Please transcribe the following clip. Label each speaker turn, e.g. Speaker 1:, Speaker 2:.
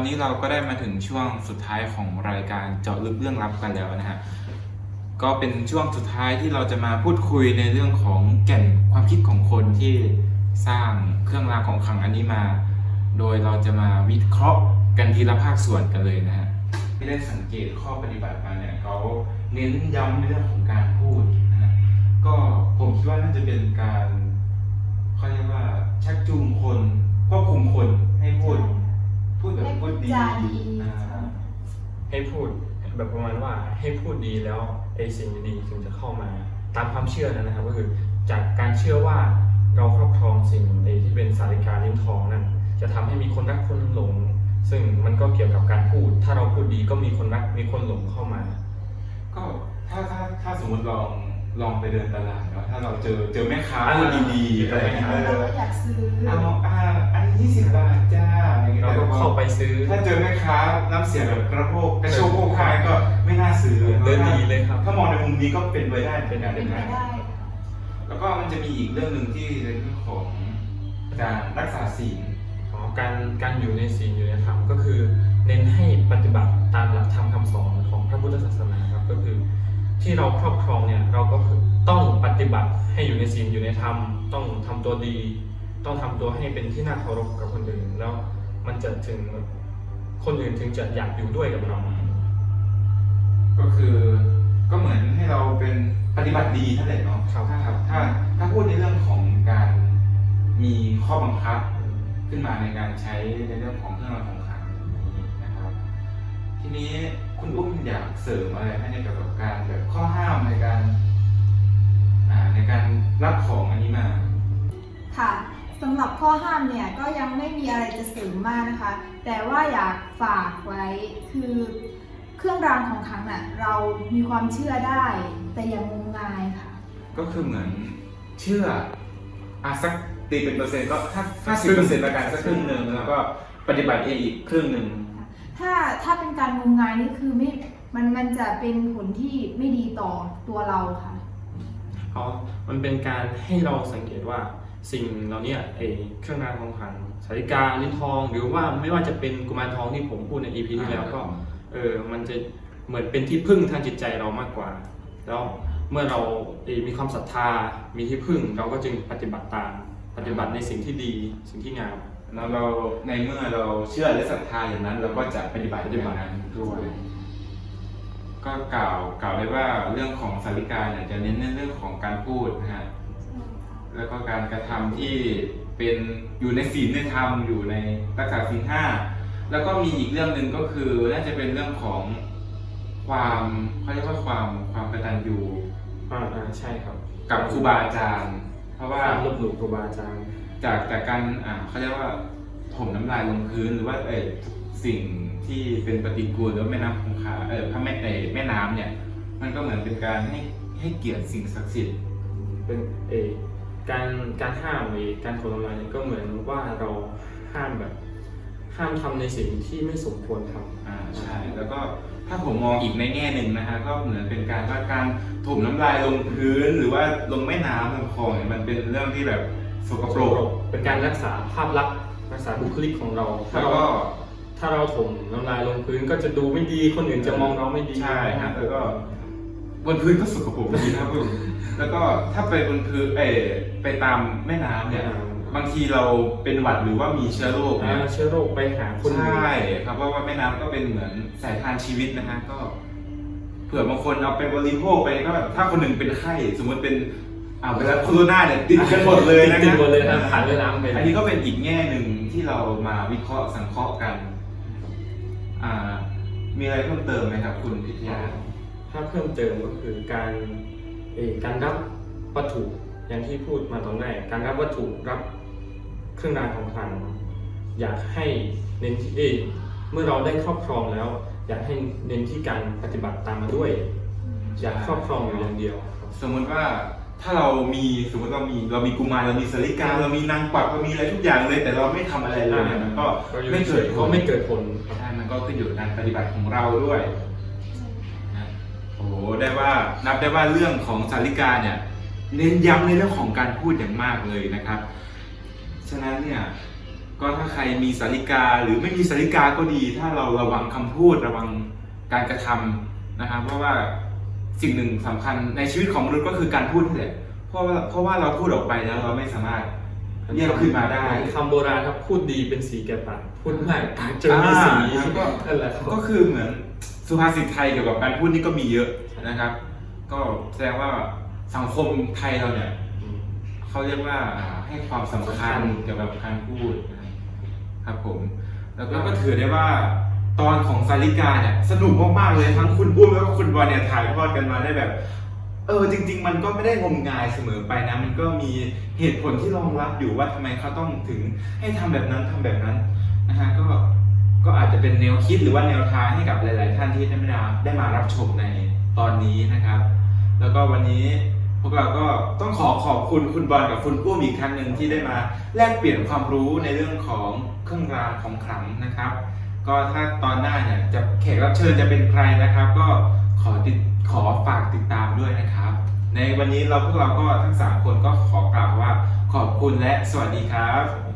Speaker 1: นี้เราก็ได้มาถึงช่วงสุดท้ายของรายการเจาะลึกเรื่องลับกันแล้วนะฮะก็เป็นช่วงสุดท้ายที่เราจะมาพูดคุยในเรื่องของแก่นความคิดของคนที่สร้างเครื่องรางของขลังอันนี้มาโดยเราจะมาวิเคราะห์กันทีละภาคส่วนกันเลยนะฮะที่ได้สังเกตข้อปฏิบัติมาเนี่ยเขาเน้นย้ำในเรื่องของการพูดนะฮะก็ผมคิดว่าน่าจะเป็นการเขาเรียกว่าชักจูงคนควบคุมคนให้พูดแบบพูดดี
Speaker 2: ให้พูดแบบประมาณว่าให้พูดดีแล้วไอ้สิ่งดีๆถึงจะเข้ามาตามความเชื่อนะครับก็คือจากการเชื่อว่าเราครอบครองสิ่งที่เป็นสาริกาลิ้นทองนั่นจะทำให้มีคนรักคนหลงซึ่งมันก็เกี่ยวกับการพูดถ้าเราพูดดีก็มีคนรักมีคนหลงเข้ามา
Speaker 1: ก็ถ้าสมมติลองไปเดินตลาดเนาะถ้าเราเจอแม่ค้าพูดดีๆอะไรอย่างเงี้ย
Speaker 3: เราก็อยากซื้อ
Speaker 1: อันนี้20 บาทจ้าอย่างเงี้ย
Speaker 2: เราก็เข้าไปซื้อ
Speaker 1: ถ้าเจอแม่ค้าน้ำเสียงแบบกระโชกโภกายก็ไม่น่าซื้อ
Speaker 2: เดินดีเลยครับ
Speaker 1: ถ้ามองในมุมนี้ก็เป็นไปได้
Speaker 3: เป็นไปได้
Speaker 1: แล้วก็มันจะมีอีกเรื่องหนึ่งที่ในเรื่องของการรักษาศีล
Speaker 2: การอยู่ในศีลอยู่ในธรรมก็คือเน้นให้ปฏิบัติตามหลักธรรมคำสอนของพระพุทธศาสนาครับก็คือที่เราครอบครองเนี่ยเราก็ต้องปฏิบัติให้อยู่ในศีลอยู่ในธรรมต้องทำตัวดีต้องทำตัวให้เป็นที่น่าเคารพกับคนอื่นแล้วมันจะถึงคนอื่นถึงจะอยากอยู่ด้วยกับเรา
Speaker 1: ก็คือก็เหมือนให้เราเป็นปฏิบัติดีนั่นแหละเนาะถ้าพูดในเรื่องของการมีข้อบังคับขึ้นมาในการใช้ในเรื่องของเครื่องรางของขลังนี้นะครับทีนี้คุณอุ้มอยากเสริมอะไรให้ในเกี่ยวกับการแบบข้อห้ามในการรับของอันนี้มา
Speaker 3: ค่ะสำหรับข้อห้ามเนี่ยก็ยังไม่มีอะไรจะเสริมมากนะคะแต่ว่าอยากฝากไว้คือเครื่องรางของขลังน่ะเรามีความเชื่อได้แต่อย่างงมงายค่ะ
Speaker 1: ก็คือเหมือนเชื่อสักตีเป็นเปอร์เซ็นต์ก็50%ละกันสักครึ่งหนึ่งแล้วก็ปฏิบัติเองอีกครึ่งหนึ่ง
Speaker 3: ถ้าเป็นการงมงายนี่คือไม่มันจะเป็นผลที่ไม่ดีต่อตัวเราค่ะ
Speaker 2: เพราะมันเป็นการให้เราสังเกตว่าสิ่งเราเนี่ยเครื่องรางของขลังสาริกาลิ้นทองหรือว่าไม่ว่าจะเป็นกุมารทองที่ผมพูดใน EP ที่แล้วก็มันจะเหมือนเป็นที่พึ่งทางจิตใจเรามากกว่าแล้วเมื่อเรามีความศรัทธามีที่พึ่งเราก็จึงปฏิบัติตามปฏิบัติในสิ่งที่ดีสิ่งที่งาม
Speaker 1: แล้วเราในเมื่อเราเชื่อและศรัทธาอย่างนั้นเราก็จะปฏิบัติอย่างนั้นด้วยก็กล่าวได้ว่าเรื่องของสาริกาเนี่ยจะเน้นในเรื่องของการพูดนะฮะแล้วก็การกระทำที่เป็นอยู่ในศีลในธรรมอยู่ในรักษาศีล 5แล้วก็มีอีกเรื่องหนึ่งก็คือน่าจะเป็นเรื่องของความเขาเรียกว่าความกตัญญู
Speaker 2: ใช่ครับ
Speaker 1: กับครูบาอาจารย์เพราะว่า
Speaker 2: ลบหลู่ครูบาอาจารย์
Speaker 1: จากการเขาเรียกว่าถมน้ำลายลงพื้นหรือว่าสิ่งที่เป็นปฏิกูลหรือแม่น้ำคงคาพระแม่น้ำเนี่ยมันก็เหมือนเป็นการให้เกียรติสิ่งศักดิ์สิทธิ์
Speaker 2: เป็นการห้ามการถมน้ำลายเนี่ยก็เหมือนว่าเราห้ามทำในสิ่งที่ไม่สมควรท
Speaker 1: ำใช่แล้วก็ถ้าผมมองอีกในแง่หนึ่งนะฮะก็เหมือนเป็นการถมน้ำลายลงพื้นหรือว่าลงแม่น้ำลงคลองเนี่ยมันเป็นเรื่องที่แบบสกปรก
Speaker 2: เป็นการรักษาภาพลักษณ์รักษาบุคลิกของเราถ้าเราถมน้ำลายลงพื้นก็จะดูไม่ดีคนอื่นจะมองเราไม่ดี
Speaker 1: ใช่ครับแล้วก็บนพื้นก็สกปรกดีนะครับแล้วก็ถ้าไปบนพื้นไปตามแม่น้ำเนี่ยบางทีเราเป็นหวัดหรือว่ามีเชื้อโรค
Speaker 2: เชื้อโรคไปหาคน
Speaker 1: ใช่ครับเพราะว่าแม่น้ำก็เป็นเหมือนสายทานชีวิตนะฮะก็เผื่อบางคนเอาไปบริโภคไปก็แบบถ้าคนหนึ่งเป็นไข้สมมติเป็นเวลาโคโรนาเนี่ยติดกันหมดเลยนะ
Speaker 2: ติดหมดเลยครับผ่านแม่น้ำไป
Speaker 1: อันนี้ก็เป็นอีกแง่หนึ่งที่เรามาวิเคราะห์สังเคราะห์กันมีอะไรเพิ่มเติมไหมครับคุณพิทยา
Speaker 2: ถ้าเพิ่มเติมก็คือการรับวัตถุอย่างที่พูดมาตอนแรกการรับวัตถุรับเครื่องรางของขลังอยากให้เน้นที่เมื่อเราได้ครอบครองแล้วอยากให้เน้นที่การปฏิบัติตามมาด้วยอยากครอบครองอยู่อย่างเดียว
Speaker 1: สมมติว่าถ้าเรามีกุมารเรามีสาริกาเรามีนางกวักเรามีอะไรทุกอย่างเลยแต่เราไม่ทำอะไรเลยมันก็ไม่เกิดผลใช่มันก็ขึ้นอยู่กับการปฏิบัติของเราด้วยโอ้นับได้ว่าเรื่องของสาริกาเนี่ยเน้นย้ำในเรื่องของการพูดอย่างมากเลยนะครับฉะนั้นเนี่ยก็ถ้าใครมีสาริกาหรือไม่มีสาริกาก็ดี ถ้าเราระวังคำพูดระวังการกระทำนะครับเพราะว่าสิ่งหนึ่งสำคัญในชีวิตของมนุษย์ก็คือการพูดนี่แหละเพราะว่าเราพูดออกไปแล้วเราไม่สามารถเรียกขึ้นมาได้
Speaker 2: คำโบราณครับพูดดีเป็นสีแก่ปากพูดไม่ปากจนมีสี
Speaker 1: ก็
Speaker 2: นั่นแหละครับ
Speaker 1: ก็คือเหมือนสุภาษิตไทยเกี่ยวกับการพูดนี่ก็มีเยอะนะครับ ก็แสดงว่าสังคมไทยเราเนี่ยเขาเรียกว่าให้ความสำคัญเกี่ยวกับการพูดนะครับผมแล้วก็ถือได้ว่าตอนของสาริกาเนี่ยสนุกมากๆเลยทั้งคุณปุ้มแล้วก็คุณบอลเนี่ยถ่ายทอดกันมาได้แบบจริงๆมันก็ไม่ได้งมงายเสมอไปนะมันก็มีเหตุผลที่รองรับอยู่ว่าทำไมเขาต้องถึงให้ทำแบบนั้นทำแบบนั้นนะฮะก็อาจจะเป็นแนวคิดหรือว่าแนวทางให้กับหลายๆท่านที่ได้มารับชมในตอนนี้นะครับ แล้วก็วันนี้พวกเราก็ต้องขอบคุณคุณบอลกับคุณปุ้มอีกครั้งหนึ่งที่ได้มาแลกเปลี่ยนความรู้ในเรื่องของเครื่องรางของขลังนะครับ ก็ถ้าตอนหน้าเนี่ยจะแขกรับเชิญจะเป็นใครนะครับ ก็ขอฝากติดตามด้วยนะครับ ในวันนี้พวกเราก็ทั้ง3คนก็ขอกล่าวว่าขอบคุณและสวัสดีครับ